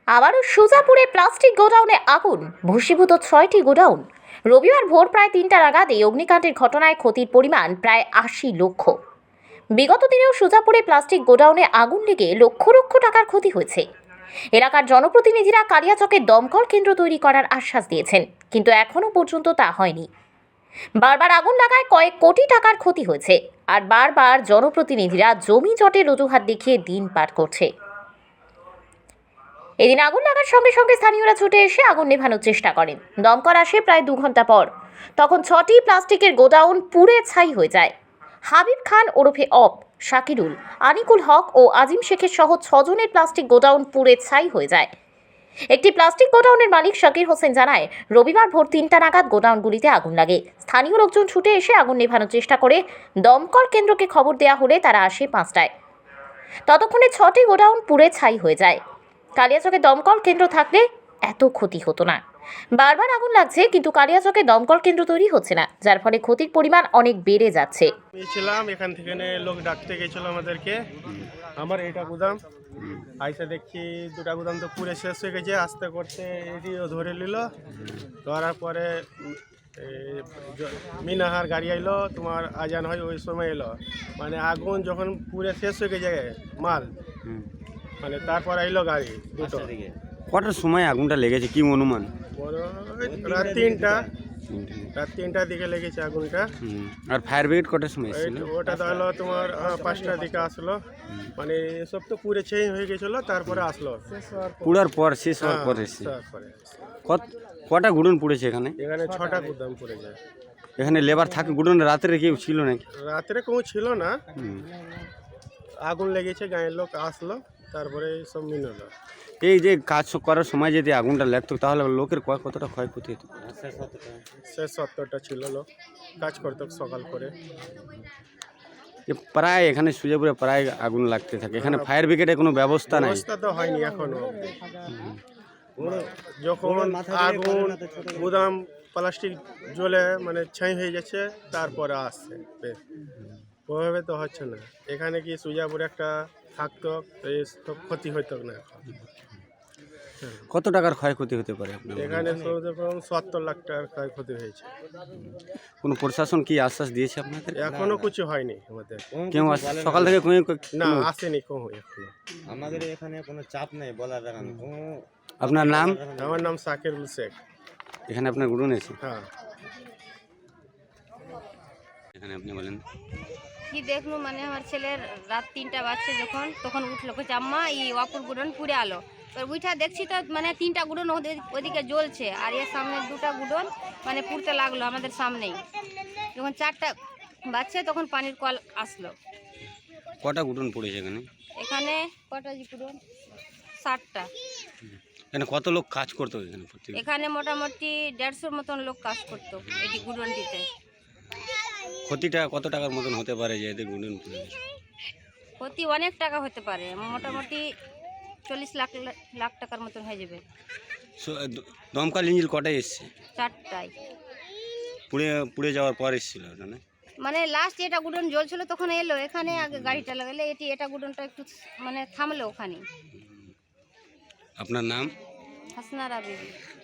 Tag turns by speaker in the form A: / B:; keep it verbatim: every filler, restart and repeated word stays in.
A: আবারও সুজাপুরে প্লাস্টিক গোডাউনে আগুন, ভস্মীভূত ছয়টি গোডাউন। রবিবার ভোর প্রায় তিনটা নাগাদ এই অগ্নিকাণ্ডের ঘটনায় ক্ষতির পরিমাণ প্রায় আশি লক্ষ। বিগত দিনেও সুজাপুরে প্লাস্টিক গোডাউনে আগুন লেগে লক্ষ লক্ষ টাকার ক্ষতি হয়েছে। এলাকার জনপ্রতিনিধিরা কালিয়াচকে দমকল কেন্দ্র তৈরি করার আশ্বাস দিয়েছেন, কিন্তু এখনও পর্যন্ত তা হয়নি। বারবার আগুন লাগায় কয়েক কোটি টাকার ক্ষতি হয়েছে, আর বারবার জনপ্রতিনিধিরা জমি জটের অজুহাত দেখিয়ে দিন পার করছে। এদিন আগুন লাগার সঙ্গে সঙ্গে স্থানীয়রা ছুটে এসে আগুন নেভানোর চেষ্টা করেন। দমকল আসে প্রায় দু ঘন্টা পর। তখন ছটি প্লাস্টিকের গোডাউন পুড়ে ছাই হয়ে যায়। হাবিব খান ওরফে অপ, শাকিরুল, আনিকুল হক ও আজিম শেখের সহ ছজনের প্লাস্টিক গোডাউন পুড়ে ছাই হয়ে যায়। একটি প্লাস্টিক গোডাউনের মালিক শাকির হোসেন জানায়, রবিবার ভোর তিনটা নাগাদ গোডাউনগুলিতে আগুন লাগে। স্থানীয় লোকজন ছুটে এসে আগুন নেভানোর চেষ্টা করে। দমকল কেন্দ্রকে খবর দেওয়া হলে তারা আসে পাঁচটায়। ততক্ষণে ছটি গোডাউন পুড়ে ছাই হয়ে যায়। কালিয়াচকে দমকল কেন্দ্র থাকলে এত ক্ষতি হতো না। বারবার আগুন লাগছে, কিন্তু কালিয়াচকে দমকল কেন্দ্র তৈরি হচ্ছে না, যার ফলে ক্ষতির পরিমাণ অনেক বেড়ে যাচ্ছে।
B: ছিলাম এখান থেকে লোক ডাকতে গেছিল আমাদেরকে, আমার এটা গুদাম আইসা দেখি দুটা গুদাম তো পুরে শেষ হয়ে গেছে। আস্তে করতে এটিও ধরে নিল, ধরার পরে মিনাহার গাড়ি আইলো, তোমার আজান হয় ওই সময় এলো। মানে আগুন যখন পুরে শেষ হয়ে গেছে মাল, মানে তারপর আইলো গাড়ি দুটো।
C: কটার সময় আগুনটা লেগেছে কি অনুমান?
B: রাত তিনটা রাত তিনটার দিকে লেগেছে আগুনটা।
C: আর ফায়ার ব্রিগেড কটার সময় এসেছিল?
B: ওটা তো হলো তোমার পাঁচটার দিকে আসলো। মানে সব তো পুরে চেঞ্জ হয়ে গেছিল, তারপরে আসলো।
C: পুরার পর শেষ হওয়ার পর এসেছে। কত কটা গুডন পুড়েছে এখানে?
B: এখানে ছটা গুদাম পুড়ে যায়।
C: এখানে লেবার থাকে গুডন? রাত্রে কেউ ছিল নাকি?
B: রাত্রে কেউ ছিল না, আগুন লেগেছে, গাঁয়ের লোক আসলো, তারপরে সব মিললো।
C: এই যে কাজ করার সময় যদি আগুনটা লাগতো তাহলে লোকের কতটা ক্ষয়ক্ষতি হতো?
B: শেষ সত্তরটা ছিল লোক কাজ করতো সকাল করে।
C: প্রায় এখানে সুজাপুরে প্রায় আগুন লাগতে থাকে। এখানে ফায়ার ব্রিগেডের কোনো ব্যবস্থা নাই?
B: ব্যবস্থা তো হয়নি এখনো। যখন আগুন গুদাম প্লাস্টিক জ্বলে মানে ছাই হয়ে যাচ্ছে, তারপরে আসছে। ওইভাবে তো হচ্ছে না। এখানে কি সুজাপুরে একটা থাকতো তো ক্ষতি হইতো না।
C: কত টাকার ক্ষয়ক্ষতি হতে পারে?
B: এখানে সত্তর লাখ টাকার ক্ষয়ক্ষতি হয়েছে।
C: কোনো প্রশাসন কি আশ্বাস দিয়েছে আপনাদের?
B: এখনো কিছু হয়নি আমাদের।
C: কেউ সকাল থেকে
B: না আসেনি কেউ এখনো।
D: আমাদের এখানে কোনো চাপ নেই বলার।
C: আপনার নাম?
B: আমার নাম শাকিরুল শেখ।
C: এখানে আপনার গুডন আছে?
B: হ্যাঁ।
C: এখানে আপনি বলেন
E: কি দেখলু, মানে আমার ছেলের রাত তিনটা বাজছে যখন, তখন উঠলো, বলছে আম্মা এই অপুর গুডন পুড়ে আলো। এবার উঠা দেখছি তো মানে তিনটা গুডন ওদিকে জ্বলছে, আর এর সামনে দুটা গুডন মানে পুড়তে লাগলো আমাদের সামনেই। যখন চারটা বাজছে তখন পানির কল আসলো।
C: কটা গুডন পড়েছে এখানে?
E: এখানে কটা জি গুডন? ষাটটা।
C: এখানে কত লোক কাজ করতো এখানে?
E: এখানে মোটামুটি দেড়শোর মতন লোক কাজ করতো এটি গুডনটিতে।
C: ক্ষতিটা কত টাকার মতন হতে পারে যে এতে গুডন পুড়ে গেছে?
E: ক্ষতি অনেক টাকা হতে পারে, মোটামুটি চল্লিশ লাখ লাখ টাকার মতন হয়ে যাবে।
C: দমকল ইঞ্জিন কটায় এসছে?
E: চারটায়।
C: পুড়ে পুড়ে যাওয়ার পর এসেছিল না?
E: মানে লাস্ট এটা গুডন জ্বলছিল তখন এলো এখানে, আগে গাড়িটা লাগালে এটি এটা গুডনটা একটু মানে থামলো ওখানে।
C: আপনার নাম?
E: হাসনা রাবিবি।